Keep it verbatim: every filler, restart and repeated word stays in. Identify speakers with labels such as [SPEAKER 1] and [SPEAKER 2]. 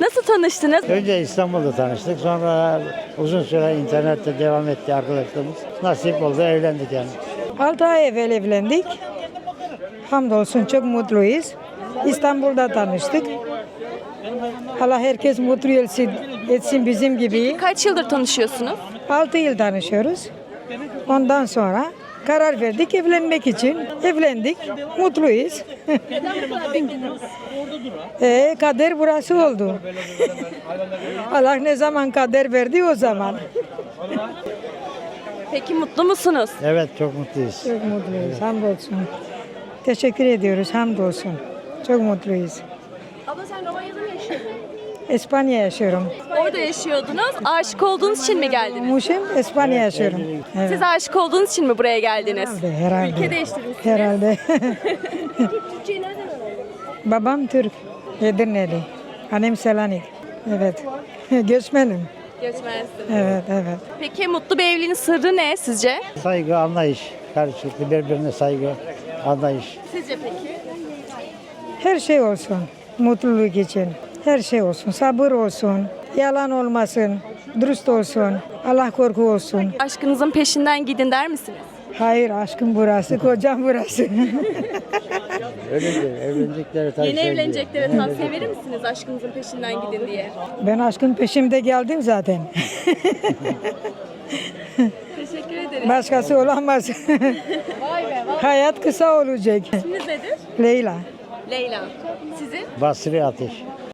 [SPEAKER 1] Nasıl tanıştınız?
[SPEAKER 2] Önce İstanbul'da tanıştık. Sonra uzun süre internette devam etti arkadaşlarımız. Nasip oldu, evlendik yani.
[SPEAKER 3] altı ay evvel evlendik. Hamdolsun çok mutluyuz. İstanbul'da tanıştık. Allah herkes mutlu etsin, etsin bizim gibi.
[SPEAKER 1] Kaç yıldır tanışıyorsunuz?
[SPEAKER 3] altı yıl tanışıyoruz. Ondan sonra karar verdik evlenmek için. Evlendik, mutluyuz. e, kader burası oldu. Allah ne zaman kader verdi o zaman.
[SPEAKER 1] Peki mutlu musunuz?
[SPEAKER 2] Evet, çok mutluyuz.
[SPEAKER 3] Çok mutluyuz, hamdolsun. Teşekkür ediyoruz, hamdolsun. Çok mutluyuz.
[SPEAKER 1] Abla sen Romanya'da mı yaşıyordun?
[SPEAKER 3] İspanya yaşıyorum.
[SPEAKER 1] Orada yaşıyordunuz. Aşık olduğunuz için mi geldiniz?
[SPEAKER 3] Muşim, İspanya yaşıyorum. Evet.
[SPEAKER 1] Siz aşık olduğunuz için mi buraya geldiniz?
[SPEAKER 3] Herhalde, herhalde.
[SPEAKER 1] Ülke değiştirmişsiniz.
[SPEAKER 3] Herhalde.
[SPEAKER 1] Türkçeyi nereden öğrendiniz?
[SPEAKER 3] Babam Türk, Edirneli. Annem Selanik. Evet. Göçmenim.
[SPEAKER 1] Göçmensiniz.
[SPEAKER 3] Evet, evet.
[SPEAKER 1] Peki mutlu bir evliliğin sırrı ne sizce?
[SPEAKER 2] Saygı, anlayış. Karşılıklı birbirine saygı, anlayış.
[SPEAKER 1] Sizce peki?
[SPEAKER 3] Her şey olsun. Mutluluk için. Her şey olsun. Sabır olsun. Yalan olmasın. Dürüst olsun. Allah korku olsun.
[SPEAKER 1] Aşkınızın peşinden gidin der misiniz?
[SPEAKER 3] Hayır, aşkım burası, kocam burası.
[SPEAKER 2] Öyledir, evlenecekleri tabii
[SPEAKER 1] Yeni
[SPEAKER 2] sevgi.
[SPEAKER 1] evleneceklere tavsiye verir misiniz aşkınızın peşinden gidin diye?
[SPEAKER 3] Ben aşkın peşimde geldim zaten.
[SPEAKER 1] Teşekkür ederim.
[SPEAKER 3] Başkası olamaz. Hayat kısa olacak.
[SPEAKER 1] İsminiz nedir?
[SPEAKER 3] Leyla.
[SPEAKER 1] Leyla. Sizin?
[SPEAKER 2] Basri Ateş.